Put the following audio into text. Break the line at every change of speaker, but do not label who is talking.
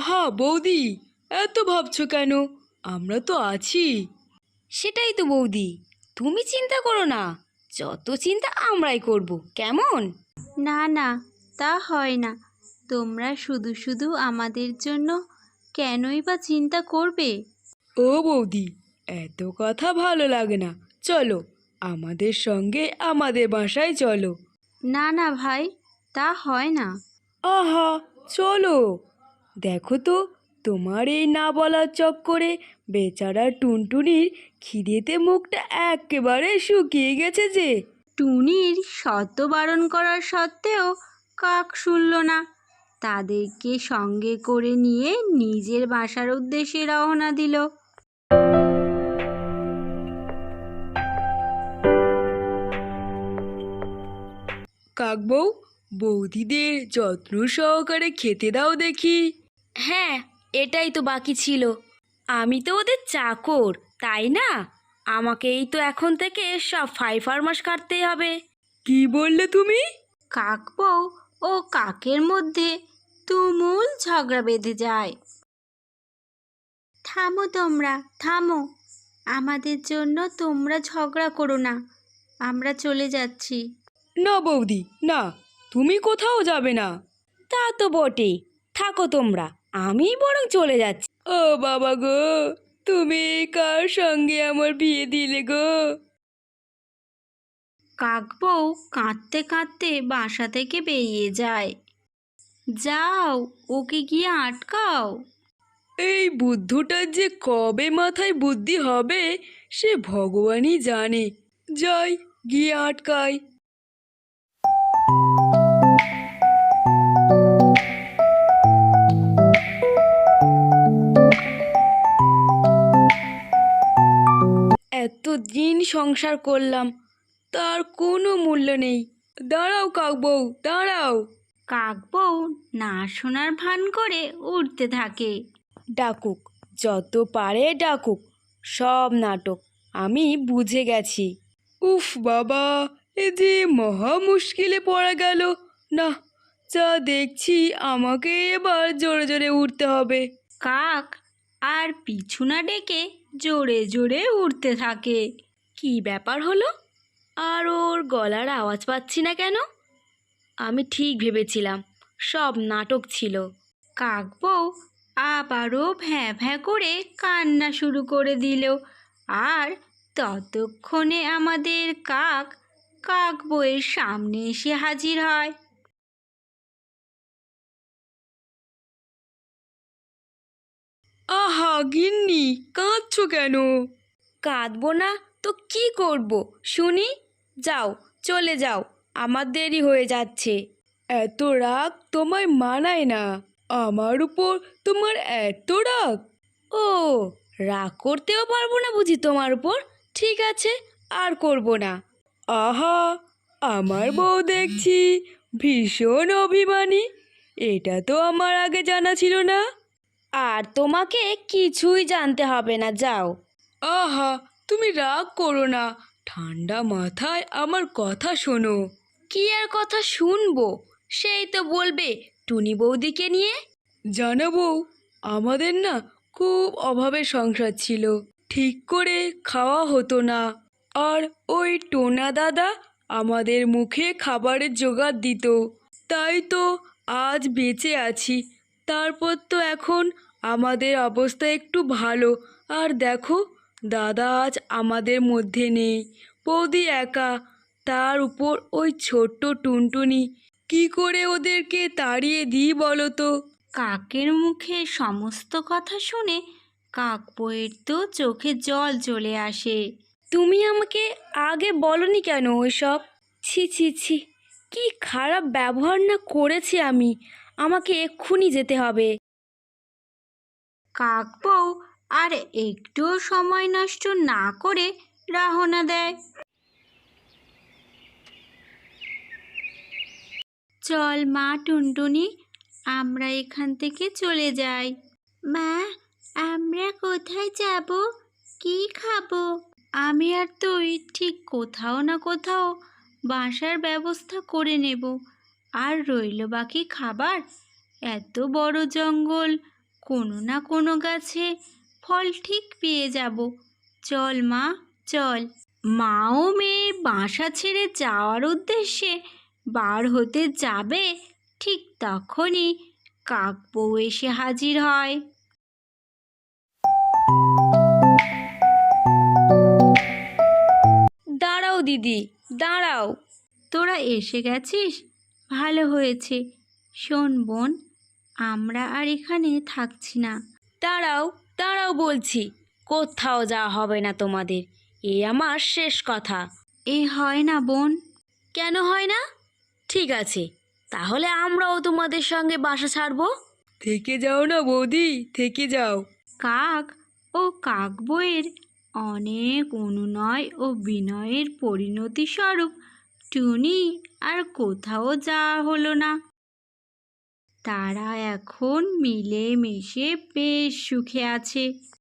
আহা বৌদি, এত ভাবছো কেন? আমরা তো আছি।
সেটাই তো বৌদি, তুমি চিন্তা করো না, যত চিন্তা আমরাই করব, কেমন?
না না, তা হয় না। তোমরা শুধু শুধু আমাদের জন্য কেনই বা চিন্তা করবে?
ও বৌদি, এত কথা ভালো লাগে না। চলো, আমাদের সঙ্গে আমাদের বাসায় চলো।
না না ভাই, তা হয় না।
আহা, চলো। দেখো তো, তোমার এই না বলার চক্করে বেচারা টুনটুনির খিদেতে মুখটা একেবারে শুকিয়ে গেছে যে।
টুনির শত বারণ করার সত্ত্বেও কাক শুনল না। তাদেরকে সঙ্গে করে নিয়ে নিজের বাসার উদ্দেশ্যে রওনা দিল।
কাকবউ, বৌদিদের যত্ন সহকারে খেতে দাও দেখি।
হ্যাঁ, এটাই তো বাকি ছিল। আমি তো ওদের চাকর, তাই না? আমাকেই তো এখন থেকে সব ফাইফারমাস কাটতেই হবে।
কি বললে তুমি?
কাকবউ ও কাকের মধ্যে তুমুল ঝগড়া বেঁধে যায়। থামো তোমরা, থামো। আমাদের জন্য তোমরা ঝগড়া করো না, আমরা চলে যাচ্ছি।
না বৌদি, না, তুমি কোথাও যাবে না।
তা তো বটেই, থাকো তোমরা, আমি বরং চলে যাচ্ছি।
ও বাবা গো, তুমি কার সঙ্গে আমার বিয়ে দিলে গো?
কাকবউ কাঁদতে কাঁদতে বাসা থেকে বেরিয়ে যায়। যাও, ওকে গিয়ে আটকাও।
এই বুদ্ধটার যে কবে মাথায় বুদ্ধি হবে সে ভগবানই জানে। যাই, গিয়ে আটকাই। এতদিন সংসার করলাম, তার কোনো মূল্য নেই। দাঁড়াও কাকবউ, দাঁড়াও।
কাকবউ না শোনার ভান করে উঠতে থাকে।
ডাকুক, যত পারে ডাকুক, সব নাটক, আমি বুঝে গেছি।
উফ বাবা, এ যে মহা মুশকিলে পড়া গেল। না, যা দেখছি আমাকে এবার জোরে জোরে উঠতে হবে।
কাক আর পিছু না ডেকে জোরে জোরে উঠতে থাকে।
কি ব্যাপার হলো? আর ওর গলার আওয়াজ পাচ্ছি না কেন? আমি ঠিক ভেবেছিলাম সব নাটক ছিল।
কাকবউ আবারও ভ্যাঁ ভ্যাঁ করে কান্না শুরু করে দিল। আর ততক্ষণে আমাদের কাক কাকবউয়ের সামনে এসে হাজির হয়।
আহা গিন্নি, কাঁদছো কেন?
কাঁদবো না তো কি করব শুনি? যাও, চলে যাও, আমার দেরি হয়ে যাচ্ছে।
এত রাগ তোমায় মানায় না। আমার উপর তোমার এত রাগ?
ও, রাগ করতেও পারবো না বুঝি তোমার উপর? ঠিক আছে, আর করব না।
আহা, আমার বউ দেখছি ভীষণ অভিমানী। এটা তো আমার আগে জানা ছিল না।
আর তোমাকে কিছুই জানতে হবে না, যাও।
আহা, তুমি রাগ করো না। ঠান্ডা মাথায় আমার কথা শোনো।
কি আর কথা শুনবো? সেই তো বলবে টুনি বৌদিকে নিয়ে।
জানো বউ, আমাদের না খুব অভাবের সংসার ছিল। ঠিক করে খাওয়া হতো না। আর ওই টোনা দাদা আমাদের মুখে খাবারের জোগাড় দিত। তাই তো আজ বেঁচে আছি। তারপর তো এখন আমাদের অবস্থা একটু ভালো। আর দেখো, দাদা আজ আমাদের মধ্যে নেই। বৌদি একা, তার উপর ওই ছোট্ট টুনটুনি। কি করে ওদেরকে তাড়িয়ে দিই বলো তো?
কাকের মুখে সমস্ত কথা শুনে কাকবউয়ের তো চোখে জল চলে আসে।
তুমি আমাকে আগে বলনি কেন ওইসব? ছি ছি ছি, কি খারাপ ব্যবহার না করেছি আমি! আমাকে এক্ষুনি যেতে হবে।
কাকবউ আর একটুও সময় নষ্ট না করে রওনা দেয়। চল মা টুনটুনি, আমরা এখান থেকে চলে যাই। মা, আমরা কোথায় যাব? কি খাবো? আমি আর তুই ঠিক কোথাও না কোথাও বাসার ব্যবস্থা করে নেব। আর রইল বাকি খাবার। এত বড় জঙ্গল, কোনো না কোনো গাছে ফল ঠিক পেয়ে যাব। চল মা, চল। মা ও মেয়ে বাসা ছেড়ে যাওয়ার উদ্দেশ্যে বার হতে যাবে, ঠিক তখনই কাকবউ এসে হাজির হয়।
দাঁড়াও দিদি, দাঁড়াও।
তোরা এসে গেছিস, ভালো হয়েছে। শোন বোন, আমরা আর এখানে থাকছি না।
দাঁড়াও, দাঁড়াও বলছি। কোথাও যাওয়া হবে না তোমাদের, এ আমার শেষ কথা।
এ হয় না বোন।
কেন হয় না? ঠিক আছে, তাহলে আমরাও তোমাদের সঙ্গে বাসা ছাড়বো।
থেকে যাও না বৌদি, থেকে যাও।
কাক ও কাকবউয়ের অনেক অনুনয় ও বিনয়ের পরিণতি স্বরূপ টুনি আর কোথাও যাওয়া হলো না। তারা এখন মিলেমিশে বেশ সুখে আছে।